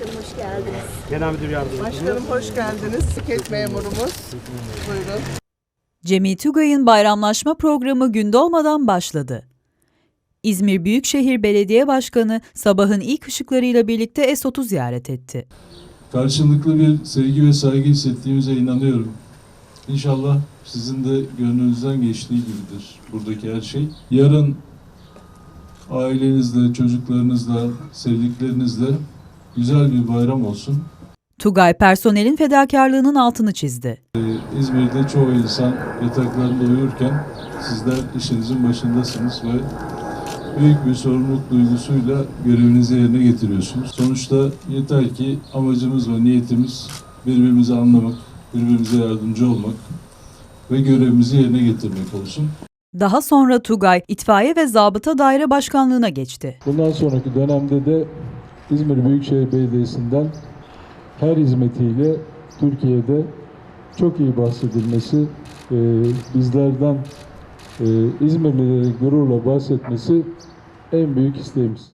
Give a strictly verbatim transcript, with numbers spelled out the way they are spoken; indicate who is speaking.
Speaker 1: Başkanım hoş geldiniz.
Speaker 2: Genel Müdür Yardımcısı.
Speaker 3: Başkanım hoş geldiniz. Sket memurumuz. Buyurun.
Speaker 4: Cemil Tugay'ın bayramlaşma programı gün doğmadan başladı. İzmir Büyükşehir Belediye Başkanı sabahın ilk ışıklarıyla birlikte Esot'u ziyaret etti.
Speaker 5: Karşılıklı bir sevgi ve saygı hissettiğimize inanıyorum. İnşallah sizin de gönlünüzden geçtiği gibidir buradaki her şey. Yarın ailenizle, çocuklarınızla, sevdiklerinizle güzel bir bayram olsun.
Speaker 4: Tugay personelin fedakarlığının altını çizdi.
Speaker 5: Ee, İzmir'de çoğu insan yataklarında uyurken sizler işinizin başındasınız ve büyük bir sorumluluk duygusuyla görevinizi yerine getiriyorsunuz. Sonuçta yeter ki amacımız ve niyetimiz birbirimizi anlamak, birbirimize yardımcı olmak ve görevimizi yerine getirmek olsun.
Speaker 4: Daha sonra Tugay, İtfaiye ve Zabıta Daire Başkanlığı'na geçti.
Speaker 6: Bundan sonraki dönemde de İzmir Büyükşehir Belediyesi'nden her hizmetiyle Türkiye'de çok iyi bahsedilmesi, e, bizlerden e, İzmirlilerin gururla bahsetmesi en büyük isteğimiz.